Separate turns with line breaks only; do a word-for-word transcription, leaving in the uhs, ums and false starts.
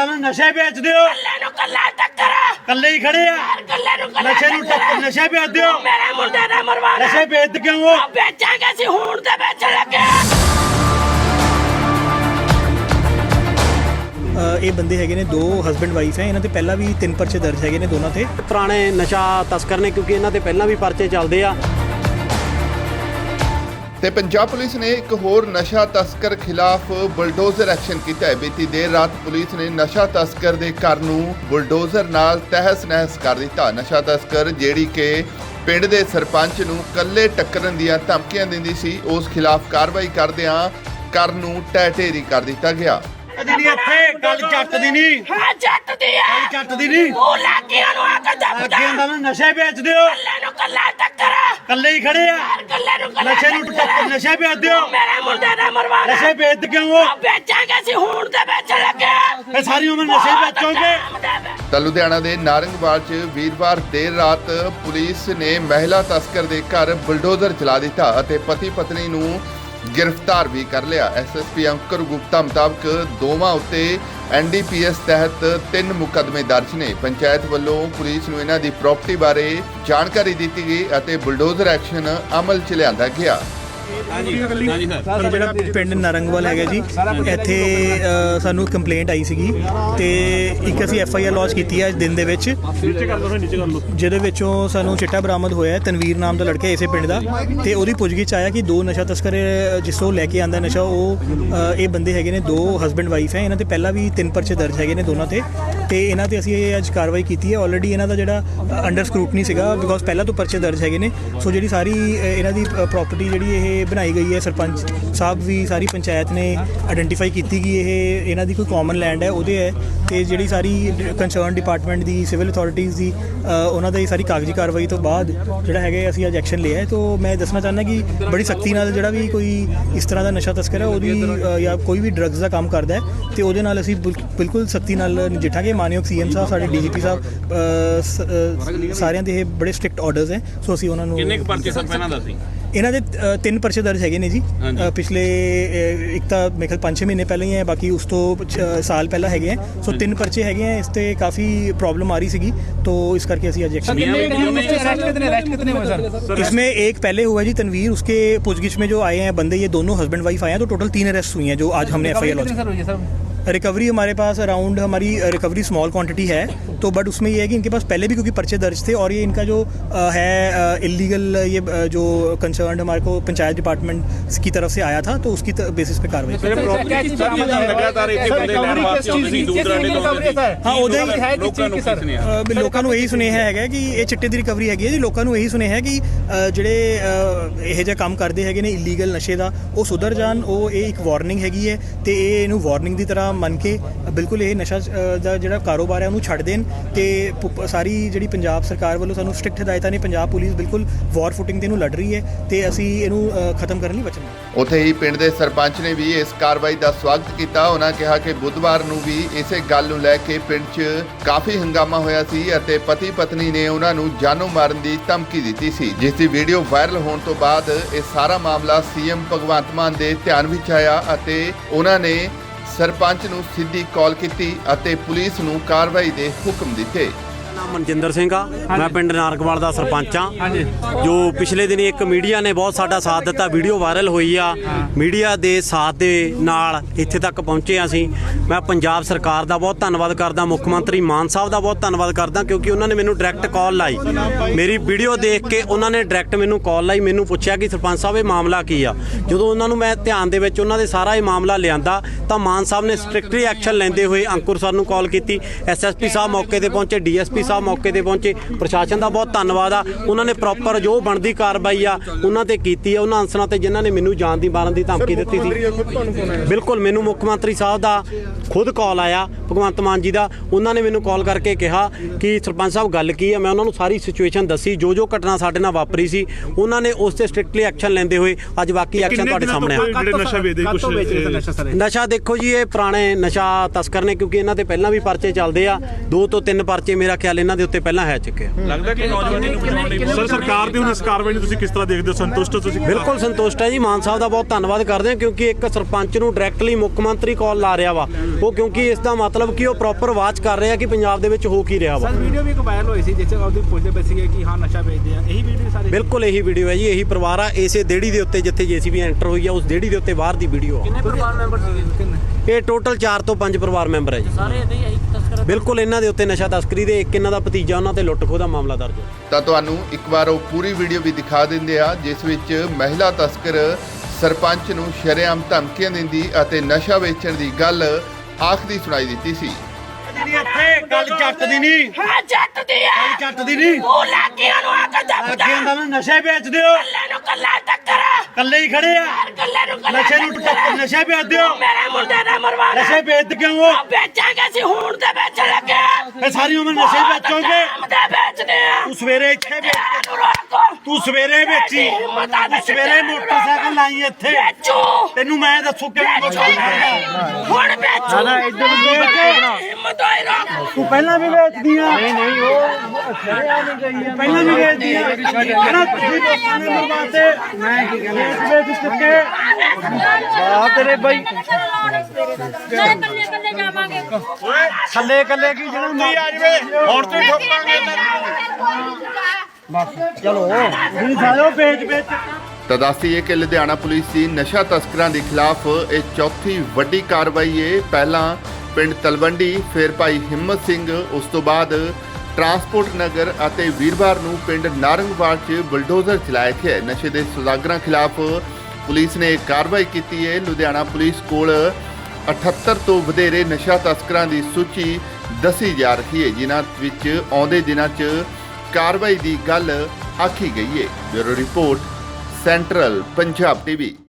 ਇਹਨਾਂ ਨੂੰ ਨਸ਼ੇ ਵੇਚਦੇ ਹੋ
ਕੱਲੇ ਨੂੰ ਕੱਲਾ ਟੱਕਰ
ਕੱਲੇ ਹੀ ਖੜੇ ਆ
ਕੱਲੇ ਨੂੰ ਕੱਲਾ
ਨਸ਼ੇ ਨੂੰ ਟੱਕਰ ਨਸ਼ੇ ਵੇਚਦੇ ਹੋ
ਮੇਰੇ ਮੁੰਡੇ ਦਾ ਮਰਵਾਣਾ
ਨਸ਼ੇ ਵੇਚਦੇ ਕਿਉਂ ਹੋ
ਵੇਚਾਂਗੇ ਅਸੀਂ ਹੁਣ ਤੇ ਵੇਚਣ ਲੱਗੇ
ਇਹ ਬੰਦੇ ਹੈਗੇ ਨੇ ਦੋ ਹਸਬੈਂਡ ਵਾਈਫ ਹੈ ਇਹਨਾਂ ਤੇ ਪਹਿਲਾਂ ਵੀ ਤਿੰਨ ਪਰਚੇ ਦਰਜ ਹੈਗੇ ਨੇ ਦੋਨਾਂ ਤੇ
ਪੁਰਾਣੇ ਨਸ਼ਾ ਤਸਕਰ ਨੇ ਕਿਉਂਕਿ ਇਹਨਾਂ ਤੇ ਪਹਿਲਾਂ ਵੀ ਪਰਚੇ ਚੱਲਦੇ ਆ।
ਤੇ ਪੰਜਾਬ ਪੁਲਿਸ ਨੇ ਇੱਕ ਹੋਰ ਨਸ਼ਾ ਤਸਕਰ ਖਿਲਾਫ ਬੁਲਡੋਜ਼ਰ ਐਕਸ਼ਨ ਕੀਤਾ ਹੈ। ਬੀਤੀ ਦੇਰ ਰਾਤ ਪੁਲਿਸ ਨੇ ਨਸ਼ਾ ਤਸਕਰ ਦੇ ਘਰ ਨੂੰ ਬੁਲਡੋਜ਼ਰ ਨਾਲ ਤਹਿਸ ਨਹਿਸ ਕਰ ਦਿੱਤਾ। ਨਸ਼ਾ ਤਸਕਰ ਜਿਹੜੀ ਕਿ ਪਿੰਡ ਦੇ ਸਰਪੰਚ ਨੂੰ ਕੱਲੇ ਟੱਕਰਨ ਦੀਆਂ ਧਮਕੀਆਂ ਦਿੰਦੀ ਸੀ, ਉਸ ਖਿਲਾਫ ਕਾਰਵਾਈ ਕਰਦਿਆਂ ਘਰ ਨੂੰ ਢਹਿ ਢੇਰੀ ਕਰ ਦਿੱਤਾ ਗਿਆ।
ਨਹੀਂ ਇੱਥੇ ਗੱਲ ਜੱਟ ਦੀ ਨਹੀਂ
ਹਾਂ ਜੱਟ ਦੀ ਆ
ਗੱਲ ਜੱਟ ਦੀ ਨਹੀਂ
ਉਹ ਲਾਗੀਆਂ ਨੂੰ ਆ ਕੇ ਦੱਬਦਾ
ਅੱਗੇ ਇਹਨਾਂ ਨੂੰ ਨਸ਼ੇ ਵੇਚਦੇ ਹੋ
ਕੱਲੇ ਨੂੰ ਕੱਲਾ ਟੱਕਰ
ਕੱਲੇ ਹੀ ਖੜੇ ਆ
ਕੱਲੇ ਨੂੰ ਕੱਲਾ
ਨਸ਼ੇ ਨੂੰ ਟੱਕਰ ਨਸ਼ੇ ਵੇਚਦੇ ਹੋ
ਮੇਰੇ ਮੁੰਡੇ ਦਾ ਮਰਵਾਣਾ
ਨਸ਼ੇ ਵੇਚਦੇ ਕਿਉਂ ਹੋ
ਵੇਚਾਂਗੇ ਅਸੀਂ ਹੁਣ ਤੇ ਵੇਚਣ ਲੱਗੇ
ਇਹ ਸਾਰੀ ਉਮਰ ਨਸ਼ੇ ਵੇਚੋਗੇ।
ਤਾਂ ਲੁਧਿਆਣਾ ਦੇ ਨਾਰੰਗਵਾਲ 'ਚ ਵੀਰਵਾਰ ਦੇਰ ਰਾਤ ਪੁਲਿਸ ਨੇ ਮਹਿਲਾ ਤਸਕਰ ਦੇ ਘਰ ਬੁਲਡੋਜ਼ਰ ਚਲਾ ਦਿੱਤਾ ਅਤੇ ਪਤੀ ਪਤਨੀ ਨੂੰ गिरफ्तार भी कर लिया। S S P Ankur Gupta मुताबिक दोवां उत्ते एन डी पी एस तहत तीन मुकदमे दर्ज ने। पंचायत वालों पुलिस नूं इन्हां दी प्रॉपर्टी बारे जानकारी दी गई और बुलडोजर एक्शन अमल च लिआंदा गया।
ਜਿਹੜਾ ਪਿੰਡ ਨਾਰੰਗਵਾਲ ਹੈਗਾ ਜੀ, ਇੱਥੇ ਸਾਨੂੰ ਕੰਪਲੇਂਟ ਆਈ ਸੀਗੀ ਤੇ ਇੱਕ ਅਸੀਂ ਐਫ ਆਈ ਆਰ ਲੌਂਚ ਕੀਤੀ ਹੈ ਅੱਜ ਦਿਨ ਦੇ ਵਿੱਚ, ਜਿਹਦੇ ਵਿੱਚੋਂ ਸਾਨੂੰ ਚਿੱਟਾ ਬਰਾਮਦ ਹੋਇਆ ਤਨਵੀਰ ਨਾਮ ਦਾ ਲੜਕਾ ਇਸੇ ਪਿੰਡ ਦਾ, ਤੇ ਉਹਦੀ ਪੁੱਛਗਿੱਛ ਆਇਆ ਕਿ ਦੋ ਨਸ਼ਾ ਤਸਕਰ ਜਿਸ ਤੋਂ ਲੈ ਕੇ ਆਂਦਾ ਨਸ਼ਾ ਉਹ ਇਹ ਬੰਦੇ ਹੈਗੇ ਨੇ ਦੋ ਹਸਬੈਂਡ ਵਾਈਫ ਹੈ। ਇਹਨਾਂ ਤੇ ਪਹਿਲਾਂ ਵੀ ਤਿੰਨ ਪਰਚੇ ਦਰਜ ਹੈਗੇ ਨੇ ਦੋਨਾਂ ਤੇ ਤੇ ਇਹਨਾਂ ਤੇ ਅਸੀਂ ਇਹ ਅੱਜ ਕਾਰਵਾਈ ਕੀਤੀ ਹੈ। ਆਲਰੇਡੀ ਇਹਨਾਂ ਦਾ ਜਿਹੜਾ ਅੰਡਰ ਸਕਰੂਟਨੀ ਸੀਗਾ ਬਿਕੋਜ਼ ਪਹਿਲਾਂ ਤੋਂ ਪਰਚੇ ਦਰਜ ਹੈਗੇ ਨੇ। ਸੋ ਜਿਹੜੀ ਸਾਰੀ ਇਹਨਾਂ ਦੀ ਪ੍ਰਾਪਰਟੀ ਜਿਹੜੀ ਇਹ ਬਣਾਈ ਗਈ ਹੈ, ਸਰਪੰਚ ਸਾਹਿਬ ਵੀ ਸਾਰੀ ਪੰਚਾਇਤ ਨੇ ਆਇਡੈਂਟੀਫਾਈ ਕੀਤੀ ਕਿ ਇਹ ਇਹਨਾਂ ਦੀ ਕੋਈ ਕਾਮਨ ਲੈਂਡ ਹੈ ਉਹਦੇ ਹੈ, ਤੇ ਜਿਹੜੀ ਸਾਰੀ ਕੰਸਰਨ ਡਿਪਾਰਟਮੈਂਟ ਦੀ ਸਿਵਲ ਅਥਾਰਟੀਜ਼ ਦੀ ਉਹਨਾਂ ਦੀ ਸਾਰੀ ਕਾਗਜ਼ੀ ਕਾਰਵਾਈ ਤੋਂ ਬਾਅਦ ਜਿਹੜਾ ਹੈਗਾ ਅਸੀਂ ਅੱਜ ਐਕਸ਼ਨ ਲਿਆ ਹੈ। ਤਾਂ ਮੈਂ ਦੱਸਣਾ ਚਾਹੁੰਦਾ ਕਿ ਬੜੀ ਸਖਤੀ ਨਾਲ ਜਿਹੜਾ ਵੀ ਕੋਈ ਇਸ ਤਰ੍ਹਾਂ ਦਾ ਨਸ਼ਾ ਤਸਕਰ ਹੈ ਉਹਦੀ ਜਾਂ ਕੋਈ ਵੀ ਡਰੱਗਸ ਦਾ ਕੰਮ ਕਰਦਾ ਹੈ ਤੇ ਉਹਦੇ ਨਾਲ ਅਸੀਂ ਬਿਲਕੁਲ ਸਖਤੀ ਨਾਲ ਨਜਿੱਠਾਂਗੇ। ਮਾਨਯੋਗ ਸੀ ਐਮ ਸਾਹਿਬ, ਸਾਡੇ ਡੀ ਜੀ ਪੀ ਸਾਹਿਬ, ਸਾਰਿਆਂ ਦੇ ਇਹ ਬੜੇ ਸਟ੍ਰਿਕਟ ਆਰਡਰਸ ਹੈ। ਸੋ ਅਸੀਂ ਉਹਨਾਂ ਨੂੰ
ਕਿੰਨੇ ਕੁ ਪਰਚੇ ਸਭ ਪਹਿਲਾਂ ਦਾ ਸੀ
ਇਹਨਾਂ ਦੇ ਤਿੰਨ ਪਰਚੇ ਦਰਜ ਹੈਗੇ ਨੇ ਜੀ। ਪਿਛਲੇ ਇੱਕ ਤਾਂ ਮੇਰੇ ਖਿਆਲ ਪੰਜ ਛੇ ਮਹੀਨੇ ਪਹਿਲਾਂ ਹੀ ਹੈ, ਬਾਕੀ ਉਸ ਤੋਂ ਸਾਲ ਪਹਿਲਾਂ ਹੈਗੇ ਹੈ। ਸੋ ਤਿੰਨ ਪਰਚੇ ਹੈਗੇ ਹੈ। ਇਸ ਤੇ ਕਾਫੀ प्रॉब्लम आ रही सीगी, तो इस करके अभी आज एक्शन इसमें एक पहले हुआ जी तनवीर, उसके पूछगिछ में जो आए हैं बंदे ये दोनों हस्बैंड वाइफ आए हैं, तो टोटल तीन अरेस्ट हुई हैं जो आज हमने F I R launch. Recovery हमारे पास अराउंड हमारी रिकवरी स्मॉल क्वांटिटी है, तो बट उसमें ये है कि इनके पास पहले भी क्योंकि पर्चे दर्ज थे और ये इनका जो है इलीगल ये जो कंसर्न हमारे को पंचायत डिपार्टमेंट की तरफ से आया था, तो उसकी बेसिस पे कार्रवाई। हाँ ਉਹਦੇ ਲੋਕਾਂ ਨੂੰ ਇਹੀ ਸੁਨੇਹਾ ਹੈਗਾ ਕਿ ਇਹ ਚਿੱਟੇ ਦੀ ਰਿਕਵਰੀ ਹੈਗੀ ਹੈ ਜੀ। ਲੋਕਾਂ ਨੂੰ ਇਹੀ ਸੁਨੇਹਾ ਹੈ ਕਿ ਜਿਹੜੇ ਇਹ ਜਿਹੇ ਕੰਮ ਕਰਦੇ ਹੈਗੇ ਨੇ ਇਲੀਗਲ ਨਸ਼ੇ ਦਾ ਉਹ ਸੁਧਰ ਜਾਣ। ਉਹ ਇਹ ਇੱਕ ਵਾਰਨਿੰਗ ਹੈਗੀ ਹੈ ਤੇ ਇਹ ਇਹਨੂੰ ਵਾਰਨਿੰਗ ਦੀ ਤਰ੍ਹਾਂ ਮੰਨ ਕੇ ਬਿਲਕੁਲ ਇਹ ਨਸ਼ਾ ਦਾ ਜਿਹੜਾ ਕਾਰੋਬਾਰ ਹੈ ਉਹਨੂੰ ਛੱਡ ਦੇਣ। ਤੇ ਸਾਰੀ ਜਿਹੜੀ ਪੰਜਾਬ ਸਰਕਾਰ ਵੱਲੋਂ ਸਾਨੂੰ ਸਟ੍ਰਿਕਟ ਹਦਾਇਤਾਂ ਨੇ, ਪੰਜਾਬ ਪੁਲਿਸ ਬਿਲਕੁਲ ਵਾਰ ਫੁਟਿੰਗ ਤੇ ਇਹਨੂੰ ਲੜ ਰਹੀ ਹੈ ਤੇ ਅਸੀਂ ਇਹਨੂੰ ਖਤਮ ਕਰਨ ਲਈ ਵਚਨਬੱਧ।
ਉੱਥੇ ਹੀ ਪਿੰਡ ਦੇ ਸਰਪੰਚ ਨੇ ਵੀ ਇਸ ਕਾਰਵਾਈ ਦਾ ਸਵਾਗਤ ਕੀਤਾ। ਉਹਨਾਂ ਕਿਹਾ ਕਿ ਬੁੱਧਵਾਰ ਨੂੰ ਵੀ ਇਸੇ ਗੱਲ ਨੂੰ ਲੈ ਕੇ ਪਿੰਡ 'ਚ ਕਾਫੀ ਹੰਗਾਮਾ ਹੋਇਆ ਸੀ ਅਤੇ ਪਤੀ ਪਤਨੀ ਨੇ ਉਹਨਾਂ ਨੂੰ ਜਾਨੋਂ ਮਾਰਨ ਦੀ ਧਮਕੀ ਦਿੱਤੀ ਸੀ, ਜਿਸ ਦੀ ਵੀਡੀਓ ਵਾਇਰਲ ਹੋਣ ਤੋਂ ਬਾਅਦ ਇਹ ਸਾਰਾ ਮਾਮਲਾ ਸੀ ਐਮ ਭਗਵੰਤ ਮਾਨ ਦੇ ਧਿਆਨ ਵਿੱਚ ਆਇਆ ਅਤੇ ਉਹਨਾਂ ਨੇ ਸਰਪੰਚ ਨੂੰ ਸਿੱਧੀ ਕਾਲ ਕੀਤੀ ਅਤੇ ਪੁਲਿਸ ਨੂੰ ਕਾਰਵਾਈ ਦੇ ਹੁਕਮ ਦਿੱਤੇ।
ਨਾਮ ਮਨਜਿੰਦਰ ਸਿੰਘ ਆ, ਮੈਂ ਪਿੰਡ ਨਾਰੰਗਵਾਲ ਦਾ ਸਰਪੰਚ ਆ। ਜੋ ਪਿਛਲੇ ਦਿਨੀ ਇੱਕ ਮੀਡੀਆ ਨੇ ਬਹੁਤ ਸਾਡਾ ਸਾਥ ਦਿੱਤਾ, ਵੀਡੀਓ ਵਾਇਰਲ ਹੋਈ ਆ, ਮੀਡੀਆ ਦੇ ਸਾਥ ਦੇ ਨਾਲ ਇੱਥੇ ਤੱਕ ਪਹੁੰਚੇ ਆ ਅਸੀਂ। ਮੈਂ ਪੰਜਾਬ ਸਰਕਾਰ ਦਾ ਬਹੁਤ ਧੰਨਵਾਦ ਕਰਦਾ, ਮੁੱਖ ਮੰਤਰੀ ਮਾਨ ਸਾਹਿਬ ਦਾ ਬਹੁਤ ਧੰਨਵਾਦ ਕਰਦਾ, ਕਿਉਂਕਿ ਉਹਨਾਂ ਨੇ ਮੈਨੂੰ ਡਾਇਰੈਕਟ ਕਾਲ ਲਾਈ। ਮੇਰੀ ਵੀਡੀਓ ਦੇਖ ਕੇ ਉਹਨਾਂ ਨੇ ਡਾਇਰੈਕਟ ਮੈਨੂੰ ਕਾਲ ਲਾਈ, ਮੈਨੂੰ ਪੁੱਛਿਆ ਕਿ ਸਰਪੰਚ ਸਾਹਿਬ ਇਹ ਮਾਮਲਾ ਕੀ ਆ। ਜਦੋਂ ਉਹਨਾਂ ਨੂੰ ਮੈਂ ਧਿਆਨ ਦੇ ਵਿੱਚ ਉਹਨਾਂ ਦੇ ਸਾਰਾ ਇਹ ਮਾਮਲਾ ਲਿਆਂਦਾ ਤਾਂ ਮਾਨ ਸਾਹਿਬ ਨੇ ਸਟ੍ਰਿਕਟਲੀ ਐਕਸ਼ਨ ਲੈਂਦੇ ਹੋਏ ਅੰਕੁਰ ਸਰ ਨੂੰ ਕਾਲ ਕੀਤੀ। ਐਸ ਐਸ ਪੀ ਸਾਹਿਬ ਮੌਕੇ ਤੇ ਪਹੁੰਚੇ, ਡੀ ਐਸ ਪੀ ਸਾਹਿਬ ਮੌਕੇ ਤੇ ਪਹੁੰਚੇ। ਪ੍ਰਸ਼ਾਸਨ ਦਾ ਬਹੁਤ ਧੰਨਵਾਦ ਆ, ਉਹਨਾਂ ਨੇ ਪ੍ਰੋਪਰ ਜੋ ਬਣਦੀ ਕਾਰਵਾਈ ਆ ਉਹਨਾਂ ਤੇ ਕੀਤੀ ਆ, ਉਹਨਾਂ ਅਨਸਰਾਂ ਤੇ ਜਿਨ੍ਹਾਂ ਨੇ ਮੈਨੂੰ ਜਾਨ ਦੀ ਮਾਰਨ ਦੀ ਧਮਕੀ ਦਿੱਤੀ ਸੀ। ਬਿਲਕੁਲ ਮੈਨੂੰ ਮੁੱਖ ਮੰਤਰੀ ਸਾਹਿਬ ਦਾ ਖੁਦ ਕਾਲ ਆਇਆ, ਭਗਵੰਤ ਮਾਨ ਜੀ ਦਾ। ਉਹਨਾਂ ਨੇ ਮੈਨੂੰ ਕਾਲ ਕਰਕੇ ਕਿਹਾ ਕਿ ਸਰਪੰਚ ਸਾਹਿਬ ਗੱਲ ਕੀ ਆ। ਮੈਂ ਉਹਨਾਂ ਨੂੰ ਸਾਰੀ ਸਿਚੁਏਸ਼ਨ ਦੱਸੀ, ਜੋ ਜੋ ਘਟਨਾ ਸਾਡੇ ਨਾਲ ਵਾਪਰੀ ਸੀ ਉਹਨਾਂ ਨੇ ਉਸ ਤੇ ਸਟ੍ਰਿਕਟਲੀ ਐਕਸ਼ਨ ਲੈਂਦੇ ਹੋਏ ਅੱਜ ਬਾਕੀ ਐਕਸ਼ਨ ਤੁਹਾਡੇ ਸਾਹਮਣੇ ਆ। ਨਸ਼ਾ ਦੇਖੋ ਜੀ, ਇਹ ਪੁਰਾਣੇ ਨਸ਼ਾ ਤਸਕਰ ਨੇ ਕਿਉਂਕਿ ਇਹਨਾਂ ਤੇ ਪਹਿਲਾਂ ਵੀ ਪਰਚੇ ਚੱਲਦੇ ਆ, ਦੋ ਤੋਂ ਤਿੰਨ ਪਰਚੇ ਮੇਰਾ ਖਿਆਲ ਗੱਲ ਇਹਨਾਂ ਦੇ ਉੱਤੇ ਪਹਿਲਾਂ ਹੈ ਚੁੱਕਿਆ।
ਲੱਗਦਾ ਕਿ ਨੌਜਵਾਨੀ ਨੂੰ ਬਚਾਉਣ ਲਈ ਸਰ ਸਰਕਾਰ ਦੀ ਹੁਣ ਇਸ ਕਾਰਵਾਈ ਨੂੰ ਤੁਸੀਂ ਕਿਸ ਤਰ੍ਹਾਂ ਦੇਖਦੇ ਹੋ? ਸੰਤੁਸ਼ਟ ਹੋ ਤੁਸੀਂ?
ਬਿਲਕੁਲ ਸੰਤੁਸ਼ਟ ਹੈ ਜੀ। ਮਾਨ ਸਾਹਿਬ ਦਾ ਬਹੁਤ ਧੰਨਵਾਦ ਕਰਦੇ ਹਾਂ ਕਿਉਂਕਿ ਇੱਕ ਸਰਪੰਚ ਨੂੰ ਡਾਇਰੈਕਟਲੀ ਮੁੱਖ ਮੰਤਰੀ ਕਾਲ ਲਾ ਰਿਹਾ ਵਾ ਉਹ, ਕਿਉਂਕਿ ਇਸ ਦਾ ਮਤਲਬ ਕਿ ਉਹ ਪ੍ਰੋਪਰ ਵਾਚ ਕਰ ਰਿਹਾ ਕਿ ਪੰਜਾਬ ਦੇ ਵਿੱਚ ਹੋ ਕੀ ਰਿਹਾ ਵਾ।
ਸਰ ਵੀਡੀਓ ਵੀ ਇੱਕ ਵਾਇਰਲ ਹੋਈ ਸੀ ਜਿਸ ਚ ਉਹਦੇ ਪੁੱਛਦੇ ਪਏ ਸੀਗੇ ਕਿ ਹਾਂ ਨਸ਼ਾ ਵੇਚਦੇ ਆ, ਇਹੀ ਵੀਡੀਓ ਸਾਰੇ?
ਬਿਲਕੁਲ ਇਹੀ ਵੀਡੀਓ ਹੈ ਜੀ। ਇਹੀ ਪਰਿਵਾਰ ਆ ਇਸੇ ਦੇੜੀ ਦੇ ਉੱਤੇ ਜਿੱਥੇ ਜੇਸੀਬੀ ਐਂਟਰ ਹੋਈ ਆ ਉਸ ਦੇੜੀ ਦੇ ਉੱਤੇ ਬਾਹਰ ਦੀ ਵੀਡੀਓ ਆ।
ਕਿੰਨੇ ਪਰਿਵਾਰ ਮੈਂਬਰ ਸੀਗੇ?
ਇਹ ਟੋਟਲ ਚਾਰ ਤੋਂ ਪੰਜ ਪਰਿਵਾਰ ਮੈਂਬਰ ਹੈ ਜੀ।
ਸਾਰੇ ਇਹਦੇ ਹੀ ਤਸਕਰ?
ਬਿਲਕੁਲ ਇਹਨਾਂ ਦੇ ਉੱਤੇ ਨਸ਼ਾ ਤਸਕਰੀ ਦੇ ਇੱਕ ਇਹਨਾਂ ਦਾ ਭਤੀਜਾ ਉਹਨਾਂ ਤੇ ਲੁੱਟ ਖੋਹ ਦਾ ਮਾਮਲਾ ਦਰਜ ਹੈ।
ਤਾਂ ਤੁਹਾਨੂੰ ਇੱਕ ਵਾਰ ਉਹ ਪੂਰੀ ਵੀਡੀਓ ਵੀ ਦਿਖਾ ਦਿੰਦੇ ਆ ਜਿਸ ਵਿੱਚ ਮਹਿਲਾ ਤਸਕਰ ਸਰਪੰਚ ਨੂੰ ਸ਼ਰੇਆਮ ਧਮਕੀਆਂ ਦਿੰਦੀ ਅਤੇ ਨਸ਼ਾ ਵੇਚਣ ਦੀ ਗੱਲ ਆਖਦੀ ਸੁਣਾਈ ਦਿੱਤੀ ਸੀ।
ਨਹੀਂ ਇੱਥੇ ਗੱਲ ਜੱਟ ਦੀ ਨਹੀਂ,
ਹਾਂ ਜੱਟ ਦੀ ਆ
ਗੱਲ ਜੱਟ ਦੀ ਨਹੀਂ।
ਉਹ ਲਾਗੀਆਂ ਨੂੰ ਆ ਕੇ ਦੱਬਦਾ
ਅੱਗੇ ਦਾ ਨਾ ਨਸ਼ੇ ਵੇਚਦੇ ਹੋ,
ਕੱਲੇ ਨੂੰ ਕੱਲਾ ਟੱਕਰ
ਕੱਲੇ ਹੀ ਖੜੇ ਆ।
ਕੱਲੇ ਨੂੰ ਕੱਲਾ
ਨਸ਼ੇ ਨੂੰ ਟੱਕਰ ਨਸ਼ੇ ਵੇਚਦੇ ਹੋ,
ਮੇਰੇ ਮੁੰਡੇ ਦਾ ਮਰਵਾਣਾ
ਨਸ਼ੇ ਵੇਚਦੇ ਕਿਉਂ ਹੋ?
ਵੇਚਾਂਗੇ ਅਸੀਂ ਹੁਣ ਤੇ ਵੇਚਣ ਲੱਗੇ
ਇਹ ਸਾਰੀ ਉਮਰ ਨਸ਼ੇ ਹੀ ਵੇਚੋਗੇ।
ਤੇ ਵੇਚਦੇ ਆ
ਤੂੰ ਸਵੇਰੇ ਇੱਥੇ ਵੇਚ,
ਇਹਨੂੰ ਰੋਕੋ
ਤੂੰ ਸਵੇਰੇ ਵੇਚੀ, ਤੂੰ ਸਵੇਰੇ ਮੋਟਰਸਾਈਕਲ ਲਾਈ ਇੱਥੇ।
ਵੇਚੋ
ਤੈਨੂੰ ਮੈਂ ਦੱਸੂ ਕਿਵੇਂ ਮੋਟਰਸਾਈਕਲ
ਹੁਣ ਵੇਚੋ
ਨਾ ਇੱਧਰ ਨੂੰ ਦੇਖ ਕੇ
ਹਿੰਮਤ ਹੋਈ ਰੋਕ
ਤੂੰ ਪਹਿਲਾਂ ਵੀ ਵੇਚਦੀ ਆ। ਨਹੀਂ ਨਹੀਂ ਉਹ ਛੜਿਆ ਨਹੀਂ ਗਈ ਆ, ਪਹਿਲਾਂ ਵੀ ਵੇਚਦੀ ਆ। ਕਹਿੰਦਾ ਤੁਸੀਂ ਦੋਸਤਾਂ ਨੇ ਮਰਵਾਤੇ, ਮੈਂ ਕੀ ਕਹਿੰਦਾ ਵੇਚ ਵੇਚ ਚੁੱਕੇ ਆ ਤੇਰੇ ਬਾਈ।
ਨਾਲੇ ਕੱਲੇ ਕੱਲੇ ਜਾਵਾਂਗੇ
ਥੱਲੇ ਕੱਲੇ ਕੀ ਜਿਹੜਾ ਮਰਦੀ ਆ ਜਵੇ ਹੁਣ ਤੇ ਠੋਕਾਂਗੇ ਬਸ ਚਲੋ ਤੁਸੀਂ ਸਾਲਿਓ ਵੇਚ ਵੇਚ।
ਤਾਂ ਦੱਸਦੀਏ ਕਿ ਲੁਧਿਆਣਾ ਪੁਲਿਸ ਦੀ ਨਸ਼ਾ ਤਸਕਰਾਂ ਦੇ ਖਿਲਾਫ ਇਹ ਚੌਥੀ ਵੱਡੀ ਕਾਰਵਾਈ ਹੈ। ਪਹਿਲਾਂ ਪਿੰਡ ਤਲਵੰਡੀ, ਫਿਰ ਭਾਈ ਹਿੰਮਤ ਸਿੰਘ, ਉਸ ਤੋਂ ਬਾਅਦ ਟਰਾਂਸਪੋਰਟ ਨਗਰ ਅਤੇ ਵੀਰਵਾਰ ਨੂੰ ਪਿੰਡ ਨਾਰੰਗਵਾਲ 'ਚ ਬੁਲਡੋਜ਼ਰ ਚਲਾਇਆ ਗਿਆ। ਨਸ਼ੇ ਦੇ ਸੁਦਾਗਰਾਂ ਖਿਲਾਫ ਪੁਲਿਸ ਨੇ ਕਾਰਵਾਈ ਕੀਤੀ ਹੈ। ਲੁਧਿਆਣਾ ਪੁਲਿਸ ਕੋਲ ਅਠੱਤਰ ਤੋਂ ਵਧੇਰੇ ਨਸ਼ਾ ਤਸਕਰਾਂ ਦੀ ਸੂਚੀ ਦੱਸੀ ਜਾ ਰਹੀ ਹੈ ਜਿਨ੍ਹਾਂ ਵਿੱਚ ਆਉਂਦੇ ਦਿਨਾਂ 'ਚ ਕਾਰਵਾਈ ਦੀ ਗੱਲ ਆਖੀ ਗਈ ਹੈ। Bureau report, central Punjab TV.